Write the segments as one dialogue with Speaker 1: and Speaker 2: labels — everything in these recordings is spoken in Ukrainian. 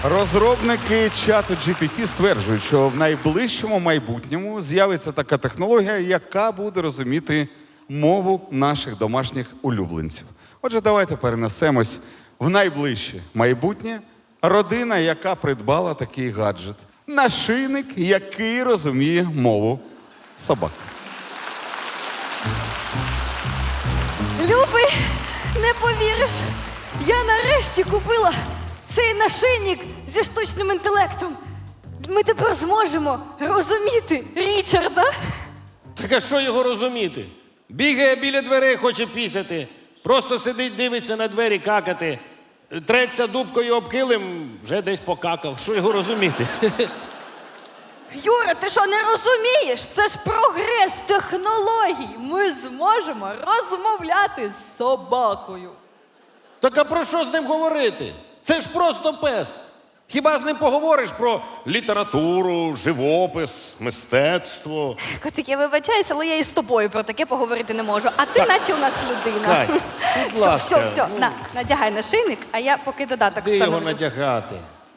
Speaker 1: Розробники чату GPT стверджують, що в найближчому майбутньому з'явиться така технологія, яка буде розуміти мову наших домашніх улюбленців. Отже, давайте перенесемось в найближче майбутнє. Родина, яка придбала такий гаджет. Нашийник, який розуміє мову собак.
Speaker 2: Любий, не повіриш, я нарешті купила цей нашийник зі штучним інтелектом. Ми тепер зможемо розуміти Річарда.
Speaker 3: Так а що його розуміти? Бігає біля дверей, хоче пісяти. Просто сидить, дивиться на двері, какати. Треться дубкою об килим, вже десь покакав. Що його розуміти?
Speaker 2: Юра, ти що, не розумієш? Це ж прогрес технологій. Ми зможемо розмовляти з собакою.
Speaker 3: Так а про що з ним говорити? Це ж просто пес. Хіба з ним поговориш про літературу, живопис, мистецтво?
Speaker 2: Котик, я вибачаюся, але я і з тобою про таке поговорити не можу. А ти наче у нас людина.
Speaker 3: Кать, будь ласка.
Speaker 2: Все, надягай нашийник, а я поки додаток
Speaker 3: Де його
Speaker 2: встановлю.
Speaker 3: надягати?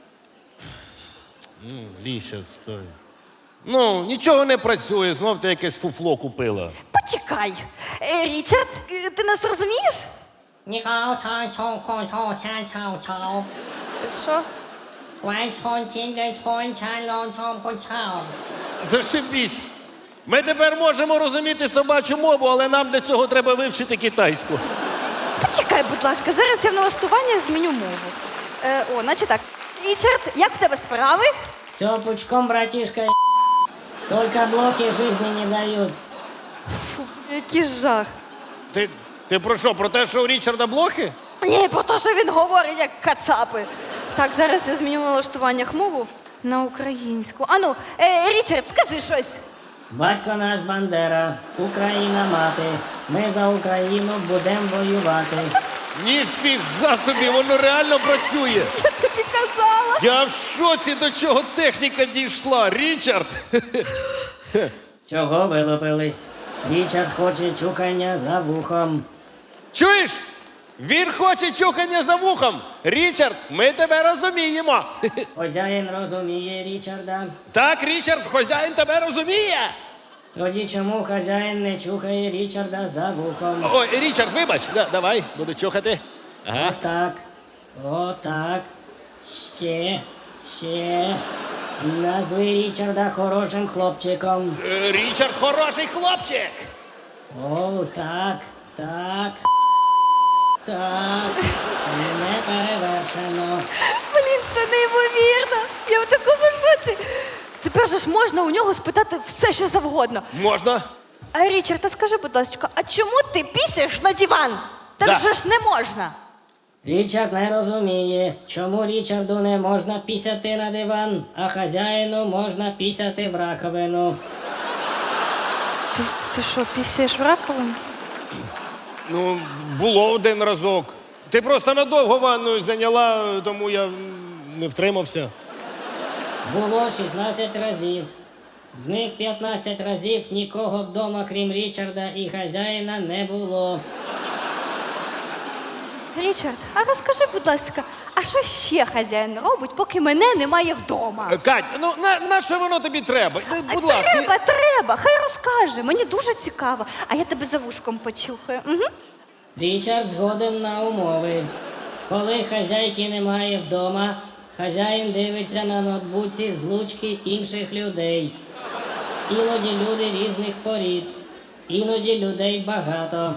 Speaker 3: Ліша, стой. Ну, нічого не працює, знов ти якесь фуфло купила.
Speaker 2: Почекай. Річард, ти нас розумієш?
Speaker 4: 你好，长虫空虫香草草，
Speaker 2: Що?
Speaker 4: 怪虫见着虫缠龙虫不草。
Speaker 3: Зашибісь! Ми тепер можемо розуміти собачу мову, але нам для цього треба вивчити китайську.
Speaker 2: Почекай, будь ласка, зараз я в налаштуваннях зміню мову. Значить так. Річард, як в тебе справи?
Speaker 4: Все пучком, братишка. Только блоки жизни не дают.
Speaker 2: Фу, який жах.
Speaker 3: Ти про що? Про те, що у Річарда блохи?
Speaker 2: Ні, про те, що він говорить, як кацапи. Так, зараз я зміню в налаштуваннях мову на українську. Ану, Річард, скажи щось.
Speaker 4: Батько наш Бандера, Україна мати. Ми за Україну будемо воювати.
Speaker 3: Ніфіга собі, воно реально працює.
Speaker 2: Я тобі казала.
Speaker 3: Я в шоці, до чого техніка дійшла. Річард!
Speaker 4: Чого вилупились? Річард хоче чухання за вухом.
Speaker 3: Чуєш? Він хоче чухання за вухом. Річард, ми тебе розуміємо.
Speaker 4: Хозяїн розуміє Річарда.
Speaker 3: Так, Річард, хазяїн тебе розуміє.
Speaker 4: Тоді чому хазяїн не чухає Річарда за вухом?
Speaker 3: Ой, Річард, вибач. Давай, буду чухати. Ага.
Speaker 4: Отак. Отак. Ще. Назви Річарда хорошим хлопчиком.
Speaker 3: Річард хороший хлопчик.
Speaker 4: О, так. Не перевершено.
Speaker 2: Блін, це неймовірно. Я в такому шоці. Тепер же ж можна у нього спитати все, що завгодно.
Speaker 3: Можна?
Speaker 2: А Річард, а скажи, будь ласка, а чому ти пісяєш на диван? Так
Speaker 3: Да.
Speaker 2: же ж не можна.
Speaker 4: Річард не розуміє, чому Річарду не можна пісяти на диван, а хазяїну можна пісяти в раковину.
Speaker 2: Ти що, пісяєш в раковину?
Speaker 3: Ну, було один разок. Ти просто надовго ванною зайняла, тому я не втримався.
Speaker 4: Було 16 разів. З них 15 разів нікого вдома, крім Річарда і хазяїна, не було.
Speaker 2: Річард, а розкажи, будь ласка, а що ще хазяїн робить, поки мене немає вдома?
Speaker 3: Кать, ну на що воно тобі треба? Будь ласка.
Speaker 2: Треба, хай розкаже. Мені дуже цікаво. А я тебе за вушком почухаю. Угу.
Speaker 4: Річард згоден на умови. Коли хазяйки немає вдома, хазяїн дивиться на ноутбуці злучки інших людей. Іноді люди різних порід, іноді людей багато.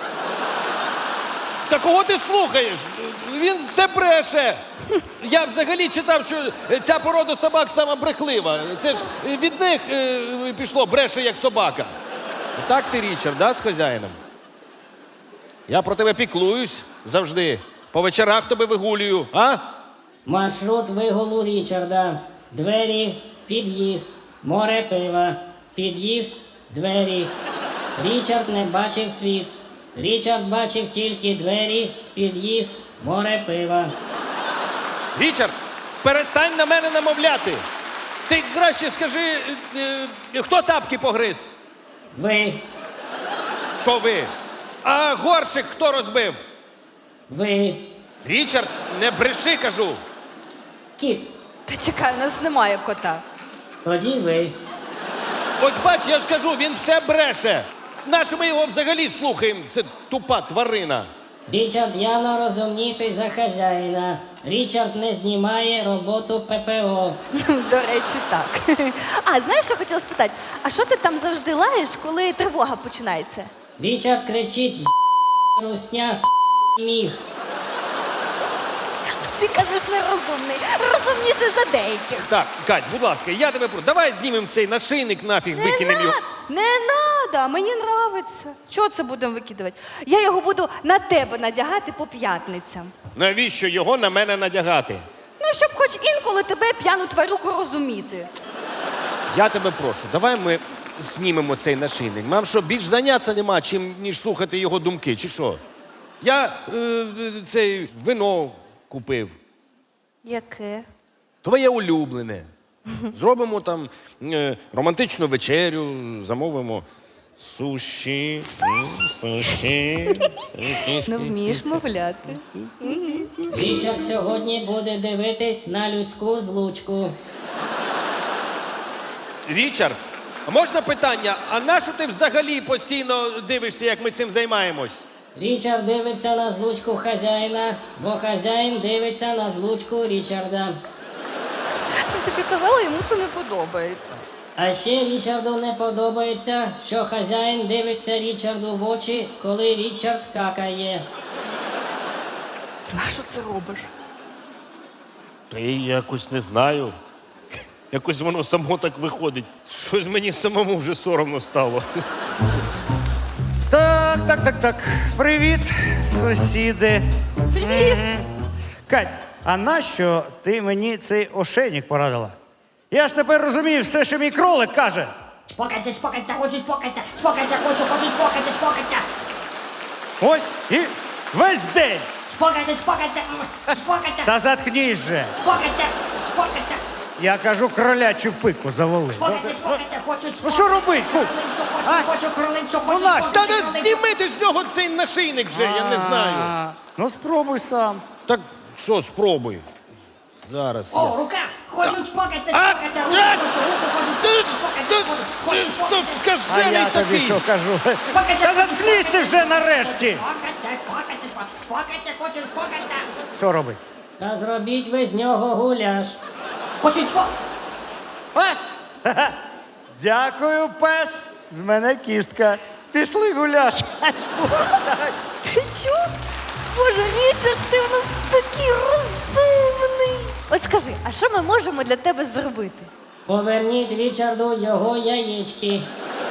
Speaker 3: Та кого ти слухаєш? Він це бреше. Я взагалі читав, що ця порода собак сама брехлива. Це ж від них пішло бреше як собака. Так ти, Річард, да, з хазяїном? Я про тебе піклуюсь завжди. По вечорах тебе вигулюю, а?
Speaker 4: Маршрут вигулу Річарда. Двері, під'їзд, море пива. Під'їзд, двері. Річард не бачив світ. Річард бачив тільки двері, під'їзд, море пива.
Speaker 3: Річард, перестань на мене намовляти. Ти краще скажи, хто тапки погриз?
Speaker 4: Ви,
Speaker 3: Що ви? А горщик хто розбив?
Speaker 4: ви,
Speaker 3: Річард, не бреши, кажу.
Speaker 4: Кіт.
Speaker 2: Та чекай, у нас немає кота.
Speaker 4: Тоді ви.
Speaker 3: Ось бач, я ж кажу, він все бреше. Нащо ми його взагалі слухаємо? Це тупа тварина.
Speaker 4: Річард явно розумніший за хазяїна. Річард не знімає роботу ППО.
Speaker 2: До речі, так. А, знаєш, що хотіла спитати? А що ти там завжди лаєш, коли тривога починається?
Speaker 4: Річард кричить русня міг.
Speaker 2: Ти кажеш нерозумний. Розумніше за деяких.
Speaker 3: Так, Кать, будь ласка, я тебе прошу, давай знімемо цей нашийник нафіг, викинемо його.
Speaker 2: Не надо, мені нравиться. Чого це будемо викидувати? Я його буду на тебе надягати по п'ятницям.
Speaker 3: Навіщо його на мене надягати?
Speaker 2: Ну, щоб хоч інколи тебе п'яну тварюку розуміти.
Speaker 3: Я тебе прошу, давай ми знімемо цей нашийник. Нам що, більш зайнятися нема, ніж слухати його думки, чи що? Я цей вино купив.
Speaker 2: Яке?
Speaker 3: Твоє улюблене. Зробимо там романтичну вечерю, замовимо суші. Суші.
Speaker 2: Не вмієш мовляти.
Speaker 4: Річард сьогодні буде дивитись на людську злучку.
Speaker 3: Річард, а можна питання? А нащо ти взагалі постійно дивишся, як ми цим займаємось?
Speaker 4: Річард дивиться на злучку хазяїна, бо хазяїн дивиться на злучку Річарда.
Speaker 2: Я тобі казала, йому це не подобається.
Speaker 4: А ще Річарду не подобається, що хазяїн дивиться Річарду в очі, коли Річард какає.
Speaker 2: Ти нащо це робиш?
Speaker 3: Та я якось не знаю. Якось воно само так виходить. Щось мені самому вже соромно стало.
Speaker 5: Так. Привіт, сусіди.
Speaker 2: Привіт!
Speaker 5: Кать, а нащо ти мені цей ошейник порадила? Я ж тепер розумію все, що мій кролик каже.
Speaker 6: Чпокаться, чпокаться, хочу чпокаться, чпокаться, хочу чпокаться, чпокаться.
Speaker 5: Ось і весь день.
Speaker 6: Чпокаться, чпокаться, чпокаться,
Speaker 5: Та заткнись же.
Speaker 6: чпокаться, чпокаться,
Speaker 5: Я кажу, кролячу пику завали.
Speaker 6: чпокаться, чпокаться, хочу чпокаться.
Speaker 5: Ну що робить, Кук? А?
Speaker 6: Хочу кролицю,
Speaker 5: Ну,
Speaker 6: хочу
Speaker 5: нащо?
Speaker 3: Та
Speaker 6: чпокаться,
Speaker 3: не
Speaker 6: кролицю.
Speaker 3: знімити з нього цей нашийник вже, я не знаю.
Speaker 5: Ну спробуй сам.
Speaker 3: Так що, спробуй. Зараз я.
Speaker 6: О, рука, хочу чпокаться,
Speaker 3: А?
Speaker 6: чпокаться, руку хочу чпокаться, хочу
Speaker 3: Ти
Speaker 6: чпокаться.
Speaker 5: А
Speaker 3: скажений
Speaker 5: я тобі
Speaker 3: такий.
Speaker 5: що кажу? Та заткнись ти вже нарешті.
Speaker 6: Чпокаться, чпокаться, чпокаться, хочу чпокаться.
Speaker 5: Що робить?
Speaker 4: Та зробіть ви з нього гуляш.
Speaker 6: Хочу чпокаться.
Speaker 5: Дякую, пес. З мене кістка. Пішли гуляш.
Speaker 2: Ти чув? Боже, Річард, ти в нас такий розумний. От скажи, а що ми можемо для тебе зробити?
Speaker 4: Поверніть Річарду його яєчки.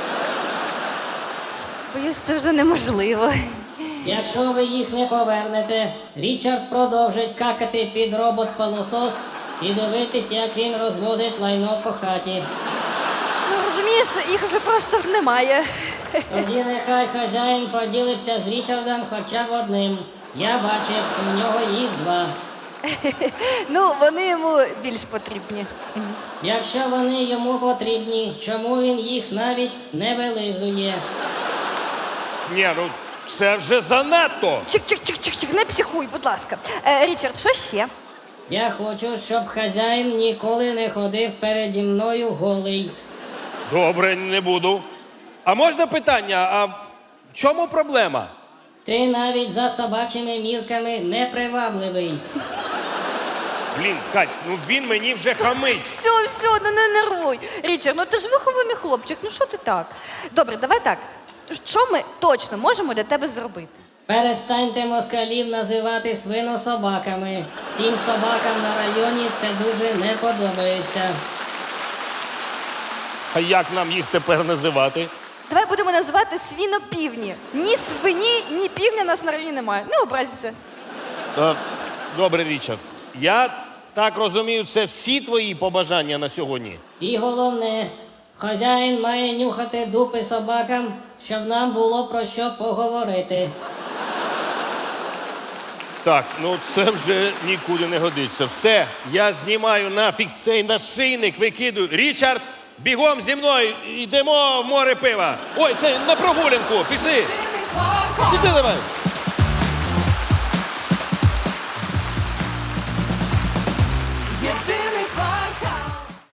Speaker 2: Боюсь, це вже неможливо.
Speaker 4: Якщо ви їх не повернете, Річард продовжить какати під робот-пилосос і дивитись, як він розвозить лайно по хаті.
Speaker 2: Ну, розумієш, їх вже просто немає.
Speaker 4: Тоді нехай хазяїн поділиться з Річардом хоча б одним. Я бачив, у нього їх 2.
Speaker 2: Ну, вони йому більш потрібні.
Speaker 4: Якщо вони йому потрібні, чому він їх навіть не вилизує?
Speaker 3: Ні, ну це вже занадто.
Speaker 2: Чик, не психуй, будь ласка. Річард, що ще?
Speaker 4: Я хочу, щоб хазяїн ніколи не ходив переді мною голий.
Speaker 3: Добре, не буду. А можна питання, а в чому проблема?
Speaker 4: Ти навіть за собачими мірками непривабливий.
Speaker 3: Блін, Кать, ну він мені вже хамить.
Speaker 2: Все, ну не нервуй. Річард, ну ти ж вихований хлопчик, ну що ти так? Добре, давай так. Що ми точно можемо для тебе зробити?
Speaker 4: Перестаньте москалів називати свинособаками. Всім собакам на районі це дуже не подобається.
Speaker 3: А як нам їх тепер називати?
Speaker 2: Давай будемо називати свінопівні. Ні свині, ні півня нас на районі немає. Не образіться.
Speaker 3: Добре, Річард. Я так розумію, це всі твої побажання на сьогодні.
Speaker 4: І головне, хазяїн має нюхати дупи собакам, щоб нам було про що поговорити.
Speaker 3: Так, ну це вже нікуди не годиться. Все, я знімаю нафіг цей нашийник, викидую. Річард, бігом зі мною, йдемо в море пива. Ой, це на прогулянку, пішли. Пішли давай.